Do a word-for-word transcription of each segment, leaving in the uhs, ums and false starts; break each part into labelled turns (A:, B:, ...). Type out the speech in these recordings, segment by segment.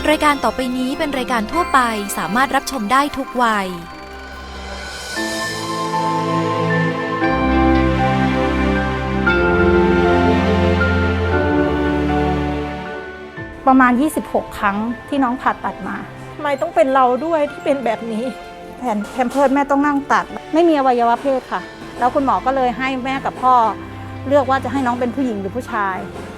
A: รายการต่อไปนี้เป็นรายการทั่วไปสามารถรับชมได้ทุกวัย
B: ประมาณยี่สิบหกครั้งที่น้องผ่าตัดมาทำไมต้องเป็นเราด้วยที่เป็นแบบนี้แผ่นแพมเพิร์สแม่ต้องนั่งตัดไม่มีอวัยวะเพศค่ะแล้วคุณหมอก็เลยให้แม่กับพ่อเลือกว่าจะให้น้องเป็นผู้หญิงหรือผู้ชาย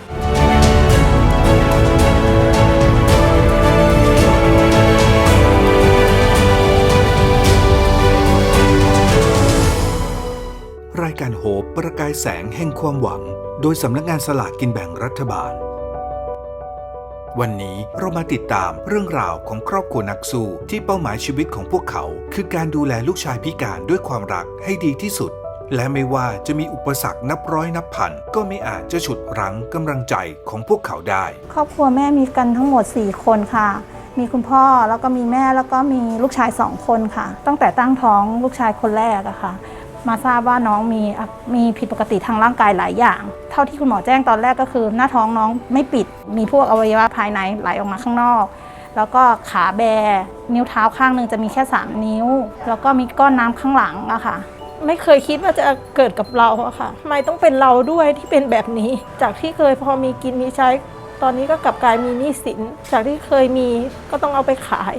C: รายการโฮปประกายแสงแห่งความหวังโดยสำนักงานสลากกินแบ่งรัฐบาลวันนี้เรามาติดตามเรื่องราวของครอบครัวนักสู้ที่เป้าหมายชีวิตของพวกเขาคือการดูแลลูกชายพิการด้วยความรักให้ดีที่สุดและไม่ว่าจะมีอุปสรรคนับร้อยนับพันก็ไม่อาจจะฉุดรั้งกำลังใจของพวกเขาได้
B: ครอบครัวแม่มีกันทั้งหมดสี่คนค่ะมีคุณพ่อแล้วก็มีแม่แล้วก็มีลูกชายสองคนค่ะตั้งแต่ตั้งท้องลูกชายคนแรกอะค่ะมาทราบว่าน้องมีมีผิดปกติทางร่างกายหลายอย่างเท่าที่คุณหมอแจ้งตอนแรกก็คือหน้าท้องน้องไม่ปิดมีพวกอวัยวะภายในไหลออกมาข้างนอกแล้วก็ขาแบนิ้วเท้าข้างหนึ่งจะมีแค่สามนิ้วแล้วก็มีก้อนน้ำข้างหลังอะค่ะไม่เคยคิดว่าจะเกิดกับเราอะค่ะทำไมต้องเป็นเราด้วยที่เป็นแบบนี้จากที่เคยพอมีกินมีใช้ตอนนี้ก็กลับกลายมีหนี้สินจากที่เคยมีก็ต้องเอาไปขาย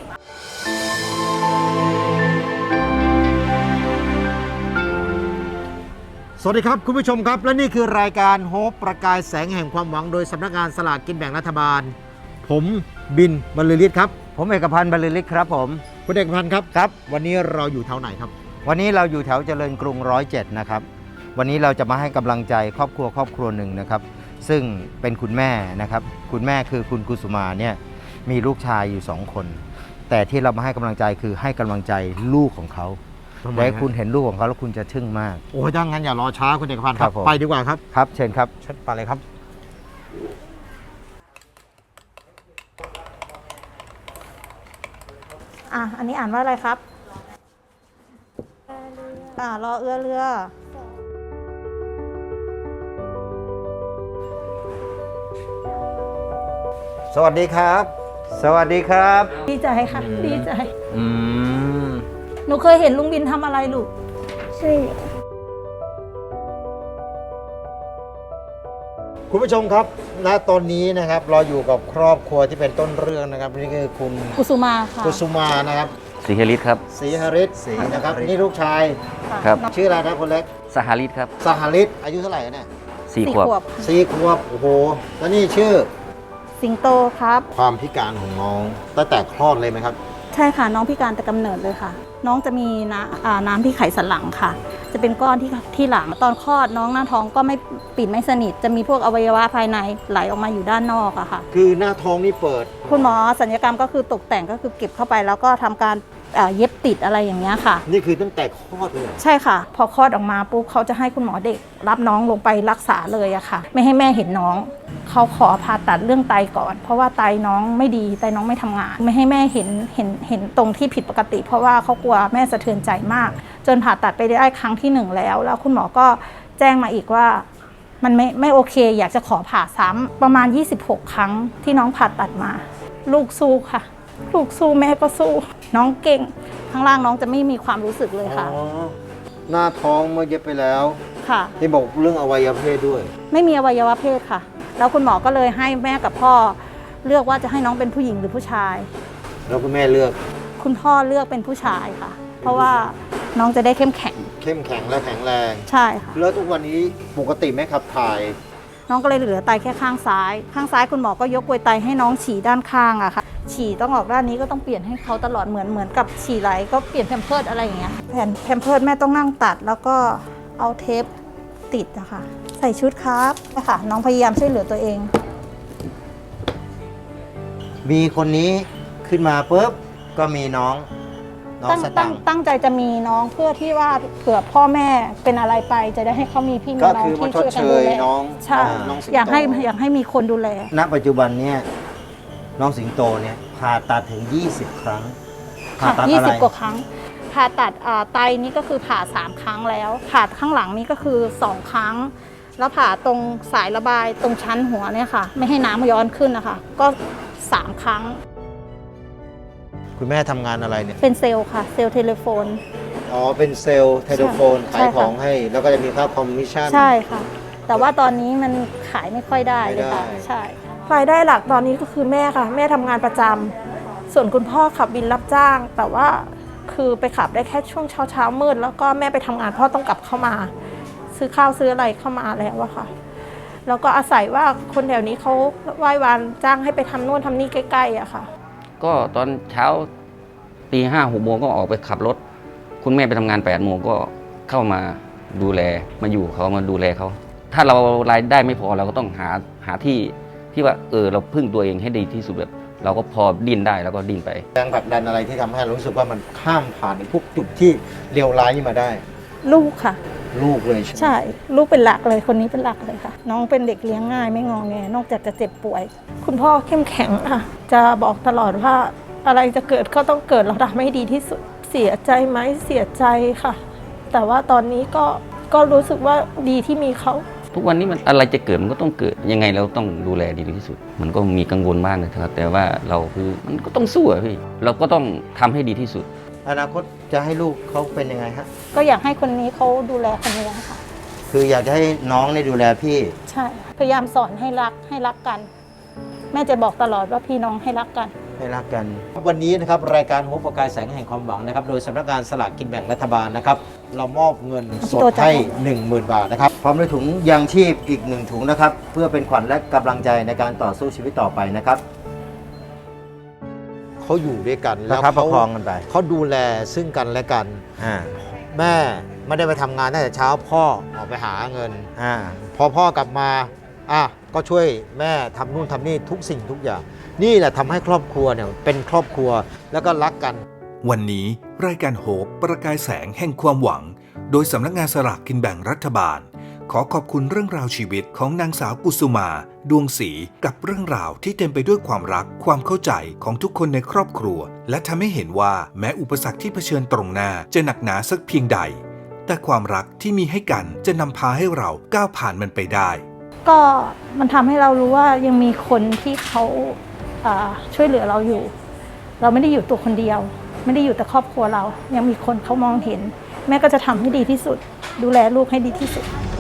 D: สวัสดีครับคุณผู้ชมครับและนี่คือรายการโฮปประกายแสงแห่งความหวังโดยสำนักงานสลากกินแบ่งรัฐบาลผมบินบรรลือฤทธิ์ครับ
E: ผมเอกพันธ์บรรลือฤทธิ์ครับผม
D: คุณเอกพันธ์ครับครับวันนี้เราอยู่แถวไหนครับ
E: วันนี้เราอยู่แถวเจริญกรุงร้อยเจ็ดนะครับวันนี้เราจะมาให้กำลังใจครอบครัวครอบครัวหนึ่งนะครับซึ่งเป็นคุณแม่นะครับคุณแม่คือคุณกุสุมาเนี่ยมีลูกชายอยู่สองคนแต่ที่เรามาให้กำลังใจคือให้กำลังใจลูกของเขาและคุณเห็นลูกของเขาแล้วคุณจะทึ่งมาก
D: โอ้ยถ้างั้นอย่ารอช้าคุณเอกพันธ์ครับไปดีกว่าครับ
E: ครับเชิญครับ
D: เชิญไปเลยครับ
B: อ่ะอันนี้อ่านว่าอะไรครับอ่ารอเอื้อเรือ
E: สวัสดีครับสวัสดีครับ
B: ดีใจค่ะดีใจ
E: อืม
B: หนูเคยเห็นลุงบินทำอะไรลูกใช่
D: คุณผู้ชมครับณตอนนี้นะครับเราอยู่กับครอบครัวที่เป็นต้นเรื่องนะครับนี่คือคุณ
B: กุสุมาค่ะ
D: กุสุมานะครับ
E: ศรีหฤทธิ์ครับ
D: ศรีหฤทธิ์ศรีนะครับนี่ลูกชาย
E: ครับ
D: ชื่ออะไรนะคนเล็ก
E: สหฤทธิ์ครับ
D: สหฤทธิ์อายุเท่าไหร่เนี่ย
E: สี่ขวบ
D: สี่ขวบโอ้โหแล้วนี่ชื่อ
B: สิงโตครับ
D: ความพิการของน้องตั้งแต่คลอดเลยไหมครับ
B: ใช่ค่ะน้องพิการแต่กำเนิดเลยค่ะน้องจะมีน้ำน้ำที่ไขสันหลังค่ะจะเป็นก้อนที่ที่หลังตอนคลอดน้องหน้าท้องก็ไม่ปิดไม่สนิทจะมีพวกอวัยวะภายในไหลออกมาอยู่ด้านนอกอะค่ะ
D: คือหน้าท้องนี่เปิด
B: คุณหมอศัลยกรรมก็คือตกแต่งก็คือเก็บเข้าไปแล้วก็ทำการเย็บติดอะไรอย่างเงี้ยค่ะ
D: นี่คือตั้งแต่คลอดเลย
B: ใช่ค่ะพอคลอดออกมาปุ๊บเขาจะให้คุณหมอเด็กรับน้องลงไปรักษาเลยอะค่ะไม่ให้แม่เห็นน้องเขาขอผ่าตัดเรื่องไตก่อนเพราะว่าไตน้องไม่ดีไตน้องไม่ทำงานไม่ให้แม่เห็นเห็นเห็นตรงที่ผิดปกติเพราะว่าเขากลัวแม่สะเทือนใจมากจนผ่าตัดไปได้ครั้งที่หนึ่งแล้วแล้วคุณหมอก็แจ้งมาอีกว่ามันไม่ไม่โอเคอยากจะขอผ่าซ้ำประมาณยี่สิบหกครั้งที่น้องผ่าตัดมาลูกสู้ค่ะลูกสู้แม่ก็สู้น้องเก่งข้างล่างน้องจะไม่มีความรู้สึกเลยค่ะ
D: หน้าท้องเมื่อเย็บไปแล้ว
B: ค่ะ
D: ที่บอกเรื่องอวัยวะเพศด้วย
B: ไม่มีอวัยวะเพศค่ะแล้วคุณหมอก็เลยให้แม่กับพ่อเลือกว่าจะให้น้องเป็นผู้หญิงหรือผู้ชาย
D: แล้วคุณแม่เลือก
B: คุณพ่อเลือกเป็นผู้ชายค่ะเพราะว่าน้องจะได้เข้มแข็ง
D: เข้มแข็งและแข็งแรง
B: ใช่ค่ะ
D: แล้วทุกวันนี้ปกติไหมขับถ่าย
B: น้องก็เลยเหลือไตแค่ข้างซ้ายข้างซ้ายคุณหมอก็ยกกลวยไตให้น้องฉี่ด้านข้างอะค่ะฉี่ต้องออกด้านนี้ก็ต้องเปลี่ยนให้เขาตลอดเหมือนเหมือนกับฉี่ไหลก็เปลี่ยนแพมเพิร์สอะไรอย่างเงี้ยแผ่นแพมเพิร์สแม่ต้องนั่งตัดแล้วก็เอาเทปติดนะคะใส่ชุดครับนะคะน้องพยายามช่วยเหลือตัวเอง
E: มีคนนี้ขึ้นมาปุ๊บก็มีน้องน้องสตังค์
B: ตั้งใจจะมีน้องเพื่อที่ว่าเผื่อพ่อแม่เป็นอะไรไปจะได้ให้เขามีพี่มีน้องที่ช่วยกันดูแลใช่อยากให้อยากให้มีคนดูแล
E: ณปัจจุบันเนี่ยน้องสิงโตเนี่ยผ่าตัดถึงยี่สิบครั้ง
B: ผ่าตัดยี่สิบกว่าครั้งผ่าตัดไตนี้ก็คือผ่าสามครั้งแล้วผ่าข้างหลังนี้ก็คือสองครั้งแล้วผ่าตรงสายระบายตรงชั้นหัวเนี่ยค่ะไม่ให้น้ำย้อนขึ้นนะคะก็สามครั้ง
D: คุณแม่ทำงานอะไรเนี่ย
B: เป็นเซลล์ค่ะ เซลล์เทเลโฟน
D: อ๋อเป็นเซลล์เทเลโฟน
B: ใช่
D: ขาย
B: ค่ะ
D: ของให้ แล้วก็จะมีค่าคอมมิชชั่น
B: ใช่ค่ะ แต่ว่าตอนนี้มันขายไม่ค่อยได้เลยค่ะ
D: ไม่ได้
B: ใช่รายได้หลักตอนนี้ก็คือแม่ค่ะ แม่ทำงานประจำส่วนคุณพ่อขับบินรับจ้าง แต่ว่าคือไปขับได้แค่ช่วงเช้าเช้ามืดแล้วก็แม่ไปทำงานพ่อต้องกลับเข้ามา ซื้อข้าวซื้ออะไรเข้ามาแล้วอะค่ะ แล้วก็อาศัยว่าคนแถวนี้เขาไหว้วานจ้างให้ไปทำนู่นทำนี่ใกล้ๆอะค่ะ
F: ก็ตอนเช้าตีห้าหกโมงก็ออกไปขับรถ คุณแม่ไปทำงานแปดโมงก็เข้ามาดูแลมาอยู่เขามาดูแลเขาถ้าเรารายได้ไม่พอเราก็ต้องหาหาที่ที่ว่าเออเราพึ่งตัวเองให้ดีที่สุดแบบเราก็พอดิ้นได้แล้วก็ดิ้นไป
D: แรงผลักดันอะไรที่ทำให้เรารู้สึกว่ามันข้ามผ่านพวกจุดที่เลวร้ายนี้มาได้
B: ลูกค่ะ
D: ลูกเลยใช่ไหม
B: ใช่ ลูกเป็นหลักเลยคนนี้เป็นหลักเลยค่ะ น้องเป็นเด็กเลี้ยงง่ายไม่งอแงนอกจากจะเจ็บป่วย คุณพ่อเข้มแข็งค่ะ จะบอกตลอดว่าอะไรจะเกิดก็ต้องเกิดเราทำให้ดีที่สุด เสียใจไหมเสียใจค่ะ แต่ว่าตอนนี้ก็ก็รู้สึกว่าดีที่มีเขา
F: ทุกวันนี้มันอะไรจะเกิดมันก็ต้องเกิดยังไงเราต้องดูแลดีที่สุด มันก็มีกังวลบ้างนะครับแต่ว่าเราคือมันก็ต้องสู้อะพี่เราก็ต้องทำให้ดีที่สุด
E: อนาคตจะให้ลูกเขาเป็นยังไงฮะ
B: ก็อยากให้คนนี้เขาดูแลคนนี้ค่ะ
E: คืออยากจะให้น้องได้ดูแลพี่
B: ใช่ พยายามสอนให้รักให้รักกัน แม่จะบอกตลอดว่าพี่น้องให้รักกัน
E: ให้รักกัน
D: วันนี้นะครับรายการโฮปประกายแสงแห่งความหวังนะครับโดยสำนักงานสลากกินแบ่งรัฐบาลนะครับเรามอบเงินสด
B: ตัวจัด
D: ให้ หนึ่งหมื่น บาทนะครับ
E: พร้อมด้วยถุงยางชีพอีกหนึ่งถุงนะครับ เพื่อเป็นขวัญและกำลังใจในการต่อสู้ชีวิตต่อไปนะครับ
D: เขาอยู่ด้วยกัน
E: ป
D: แล้
E: ระ
D: ว
E: คับประ
D: เขา
E: คองกันไป
D: เขาดูแลซึ่งกันและกัน
E: อ่า
D: แม่ไม่ได้ไปทำงานตั้งแต่เช้าพ่อออกไปหาเงิน
E: อ่า
D: พอพ่อกลับมาอ่ะก็ช่วยแม่ทำนู่นทำนี่ทุกสิ่งทุกอย่าง นี่แหละทำให้ครอบครัวเนี่ยเป็นครอบครัวแล้วก็รักกัน
C: วันนี้รายการโฮปประกายแสงแห่งความหวัง โดยสำนักงานสลากกินแบ่งรัฐบาล ขอขอบคุณเรื่องราวชีวิตของนางสาวกุสุมา ดวงศรีกับเรื่องราวที่เต็มไปด้วยความรักความเข้าใจของทุกคนในครอบครัว และทำให้เห็นว่าแม้อุปสรรคที่เผชิญตรงหน้าจะหนักหนาสักเพียงใด แต่ความรักที่มีให้กันจะนำพาให้เราก้าวผ่านมันไปได้
B: ก็มันทำให้เรารู้ว่ายังมีคนที่เขาอ่าช่วยเหลือเราอยู่ เราไม่ได้อยู่ตัวคนเดียว ไม่ได้อยู่แต่ครอบครัวเรา ยังมีคนเขามองเห็น แม่ก็จะทำให้ดีที่สุด ดูแลลูกให้ดีที่สุด